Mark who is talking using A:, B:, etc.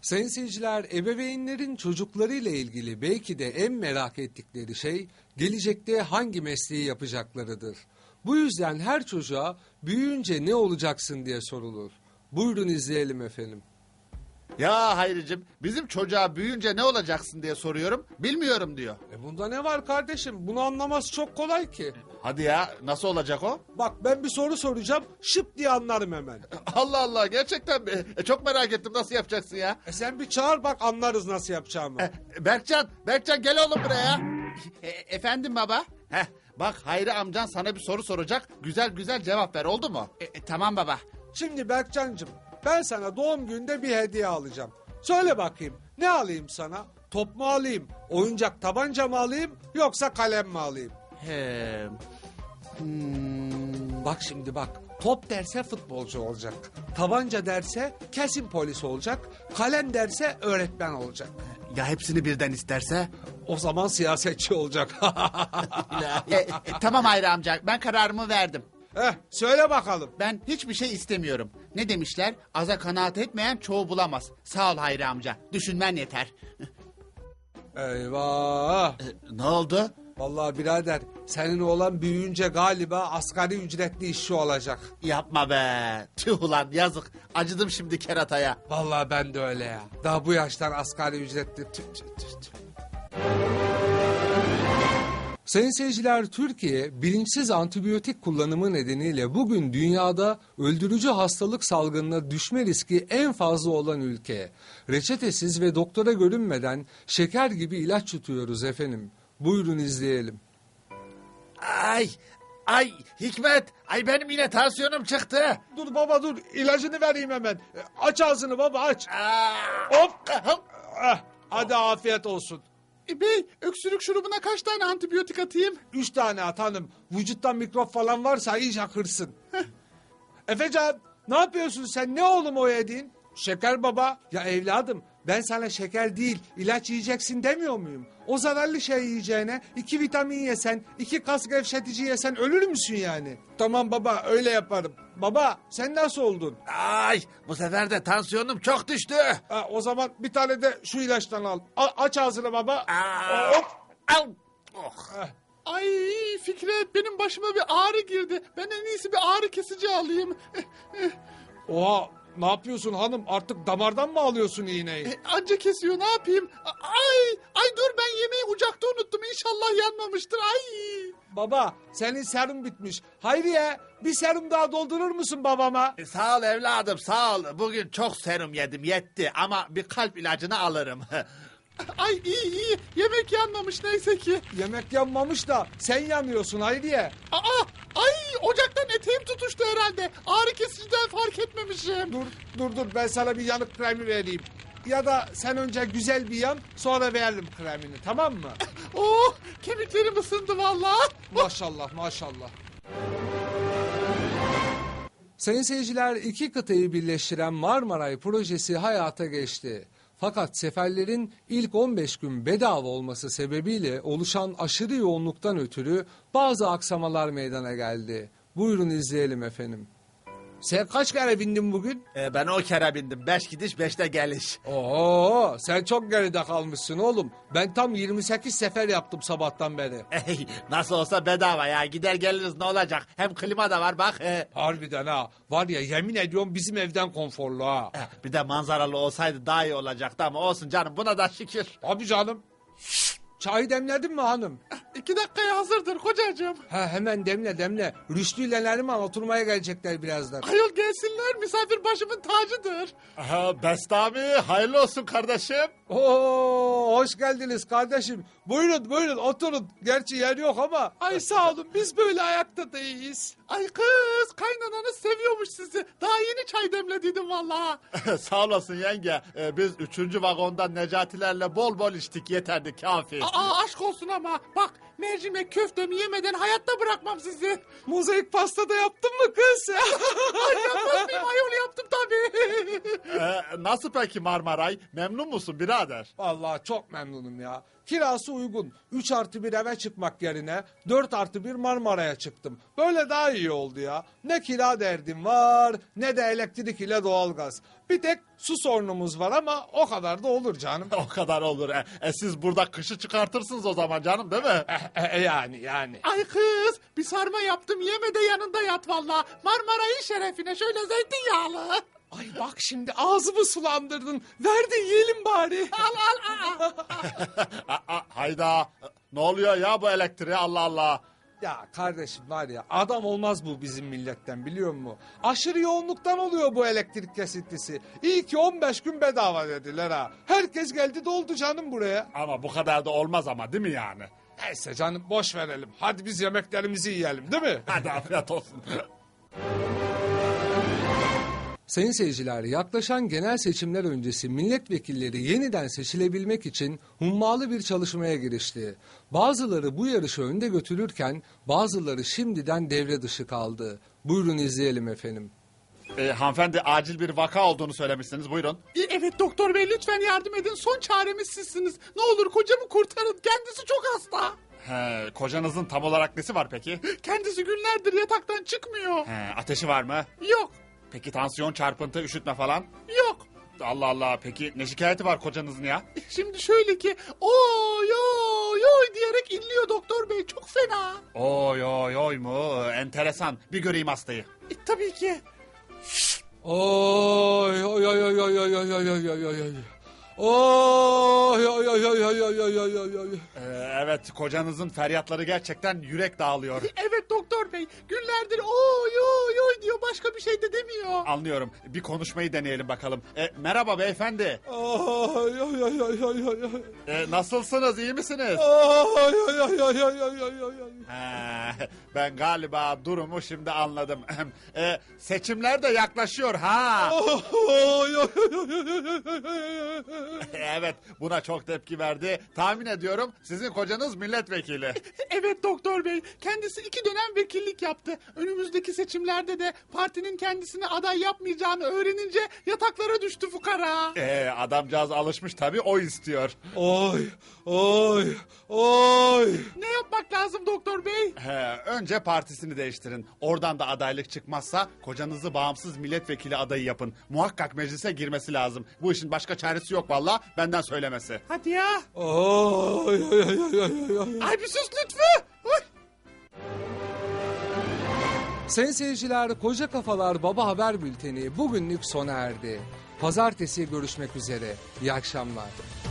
A: Sayın seyirciler, ebeveynlerin çocuklarıyla ilgili belki de en merak ettikleri şey gelecekte hangi mesleği yapacaklarıdır. Bu yüzden her çocuğa büyüyünce ne olacaksın diye sorulur. Buyurun izleyelim efendim.
B: Ya Hayricim, bizim çocuğa büyüyünce ne olacaksın diye soruyorum, bilmiyorum diyor.
A: Bunda ne var kardeşim? Bunu anlaması çok kolay ki.
B: Hadi ya, nasıl olacak o?
A: Bak ben bir soru soracağım, şıp diye anlarım hemen.
B: Allah Allah, gerçekten mi? Çok merak ettim, nasıl yapacaksın ya?
A: Sen bir çağır bak, anlarız nasıl yapacağımı.
B: Berkcan gel oğlum buraya. Efendim baba? Bak Hayri amcan sana bir soru soracak, güzel cevap ver, oldu mu? Tamam baba.
A: Şimdi Berkcancığım, ben sana doğum gününde bir hediye alacağım. Söyle bakayım, ne alayım sana? Top mu alayım, oyuncak tabanca mı alayım, yoksa kalem mi alayım? Bak şimdi bak, top derse futbolcu olacak. Tabanca derse kesin polis olacak. Kalem derse öğretmen olacak.
B: Ya hepsini birden isterse?
A: O zaman siyasetçi olacak.
B: Tamam Hayri amca, ben kararımı verdim.
A: Söyle bakalım.
B: Ben hiçbir şey istemiyorum. Ne demişler? Aza kanaat etmeyen çoğu bulamaz. Sağ ol Hayri amca. Düşünmen yeter.
A: Eyvah.
B: Ne oldu?
A: Vallahi birader, senin oğlan büyüyünce galiba asgari ücretli işçi olacak.
B: Yapma be. Tüh ulan yazık. Acıdım şimdi kerataya.
A: Vallahi ben de öyle ya. Daha bu yaştan asgari ücretli. Tüh. Sayın seyirciler, Türkiye bilinçsiz antibiyotik kullanımı nedeniyle bugün dünyada öldürücü hastalık salgınına düşme riski en fazla olan ülke. Reçetesiz ve doktora görünmeden şeker gibi ilaç yutuyoruz efendim. Buyurun izleyelim.
B: Ay Hikmet. Ay benim yine tansiyonum çıktı.
A: Dur baba dur, ilacını vereyim hemen. Aç ağzını baba, aç. Hop. Hadi afiyet olsun.
B: Bey, öksürük şurubuna kaç tane antibiyotik atayım?
A: 3 tane at hanım. Vücuttan mikrop falan varsa iyice kırsın. Efecan, ne yapıyorsun sen? Ne oğlum o yediğin? Şeker baba. Ya evladım, ben sana şeker değil ilaç yiyeceksin demiyor muyum? O zararlı şey yiyeceğine 2 vitamin yesen, 2 kas gevşetici yesen ölür müsün yani? Tamam baba, öyle yaparım. Baba sen nasıl oldun?
B: Ay bu sefer de tansiyonum çok düştü.
A: O zaman bir tane de şu ilaçtan al. Aç ağzını baba. Hop.
B: Ay Fikret, benim başıma bir ağrı girdi. Ben en iyisi bir ağrı kesici alayım.
A: Oha, ne yapıyorsun hanım? Artık damardan mı alıyorsun iğneyi?
B: Anca kesiyor, ne yapayım? Ay dur, ben yemeği ocakta unuttum. İnşallah yanmamıştır. Ay.
A: Baba, senin serum bitmiş. Hayriye, bir serum daha doldurur musun babama?
B: Sağ ol evladım, sağ ol. Bugün çok serum yedim, yetti. Ama bir kalp ilacını alırım. Ay iyi. Yemek yanmamış neyse ki.
A: Yemek yanmamış da sen yanıyorsun Hayriye.
B: Ay ocaktan eteğim tutuştu herhalde. Ağrı kesiciden fark etmemişim.
A: Dur ben sana bir yanık kremi vereyim. Ya da sen önce güzel bir yan, sonra verelim kremini, tamam mı?
B: Oh, kemiklerim ısındı vallahi.
A: Maşallah. Sayın seyirciler, 2 kıtayı birleştiren Marmaray projesi hayata geçti. Fakat seferlerin ilk 15 gün bedava olması sebebiyle oluşan aşırı yoğunluktan ötürü bazı aksamalar meydana geldi. Buyurun izleyelim efendim. Sen kaç kere bindin bugün?
B: Ben o kere bindim. 5 gidiş 5'te geliş.
A: Oo, sen çok geride kalmışsın oğlum. Ben tam 28 sefer yaptım sabahtan beri.
B: Nasıl olsa bedava ya. Gider geliriz, ne olacak? Hem klima da var bak.
A: Harbiden ha. Var ya, yemin ediyorum bizim evden konforlu ha.
B: Bir de manzaralı olsaydı daha iyi olacaktı ama olsun canım, buna da şükür.
A: Abi canım. Çayı demledin mi hanım?
B: 2 dakikaya hazırdır kocacığım.
A: Hemen demle. Rüştü ile Neriman oturmaya gelecekler birazdan.
B: Ayol gelsinler, misafir başımın tacıdır. Bestami, hayırlı olsun kardeşim.
A: Oo, hoş geldiniz kardeşim. Buyurun oturun. Gerçi yer yok ama. Ay sağ olun, biz böyle ayakta da iyiyiz.
B: Ay kız, kaynananız seviyormuş sizi. Daha yeni çay demlediydim vallahi. Sağ olasın yenge. Biz 3. vagondan Necatilerle bol bol içtik, yeterdi, kafi. Aşk olsun ama bak, mercimek köftemi yemeden hayatta bırakmam sizi.
A: Mozaik pasta da yaptın mı kız?
B: Ay yapmaz mıyım ayol, yaptım tabii. Nasıl peki Marmaray? Memnun musun birader?
A: Vallahi çok memnunum ya. Kirası uygun. 3+1 eve çıkmak yerine 4+1 Marmara'ya çıktım. Böyle daha iyi oldu ya. Ne kira derdim var ne de elektrik ile doğalgaz. Bir tek su sorunumuz var ama o kadar da olur canım.
B: O kadar olur. Siz burada kışı çıkartırsınız o zaman canım değil mi?
A: Yani.
B: Ay kız bir sarma yaptım yeme de yanında yat valla. Marmaray'ın şerefine şöyle zeytinyağlı.
A: Ay bak şimdi ağzımı sulandırdın. Ver de yiyelim bari.
B: Al. Hayda. Ne oluyor ya bu elektriğe Allah Allah.
A: Ya kardeşim var ya adam olmaz bu bizim milletten biliyor musun? Aşırı yoğunluktan oluyor bu elektrik kesintisi. İyi ki 15 gün bedava dediler ha. Herkes geldi doldu canım buraya.
B: Ama bu kadar da olmaz ama değil mi yani?
A: Neyse canım boş verelim. Hadi biz yemeklerimizi yiyelim değil mi?
B: Hadi afiyet olsun.
C: Sayın seyirciler, yaklaşan genel seçimler öncesi milletvekilleri yeniden seçilebilmek için hummalı bir çalışmaya girişti. Bazıları bu yarışı önde götürürken bazıları şimdiden devre dışı kaldı. Buyurun izleyelim efendim.
B: Hanımefendi acil bir vaka olduğunu söylemişsiniz buyurun.
D: Evet doktor bey lütfen yardım edin. Son çaremiz sizsiniz. Ne olur kocamı kurtarın. Kendisi çok hasta.
B: Kocanızın tam olarak nesi var peki?
D: Kendisi günlerdir yataktan çıkmıyor.
B: Ateşi var mı?
D: Yok,
B: Peki tansiyon, çarpıntı, üşütme falan?
D: yok.
B: Allah Allah peki ne şikayeti var kocanızın ya?
D: Şimdi şöyle ki oy oy oy diyerek inliyor doktor bey. Çok fena.
B: Oy oy oy mu? Enteresan. Bir göreyim hastayı.
D: Tabii ki.
C: Oy oy oy oy oy oy oy oy oy oy oy oy. Oy oy oy oy oy oy oy oy oy oy.
B: Evet kocanızın feryatları gerçekten yürek dağılıyor.
D: Evet doktor bey. Günlerdir oy oy oy diyor. Başka bir şey de demiyor.
B: Anlıyorum. Bir konuşmayı deneyelim bakalım. Merhaba beyefendi.
C: Oy oy oy oy oy oy oy.
B: Nasılsınız? İyi misiniz?
C: Oy oy oy oy oy oy oy oy oy.
B: Ben galiba durumu şimdi anladım. Seçimler de yaklaşıyor ha.
C: Oy oy oy oy oy oy.
B: Evet buna çok tepki verdi. Tahmin ediyorum sizin kocanız milletvekili.
D: Evet doktor bey. Kendisi 2 dönem vekillik yaptı. Önümüzdeki seçimlerde de partinin kendisini aday yapmayacağını öğrenince yataklara düştü fukara.
B: Adamcağız alışmış tabii o istiyor.
C: Oy oy oy.
D: Ne yapmak lazım doktor bey?
B: Önce partisini değiştirin. Oradan da adaylık çıkmazsa kocanızı bağımsız milletvekili adayı yapın. Muhakkak meclise girmesi lazım. Bu işin başka çaresi yok valla benden söylemesi.
D: Hadi ya.
C: Oy oy oy oy oy oy.
D: Ay bir sus lütfü. Oy.
C: Sayın seyirciler, Koca Kafalar Baba Haber Bülteni bugünlük sona erdi. Pazartesi görüşmek üzere. İyi akşamlar.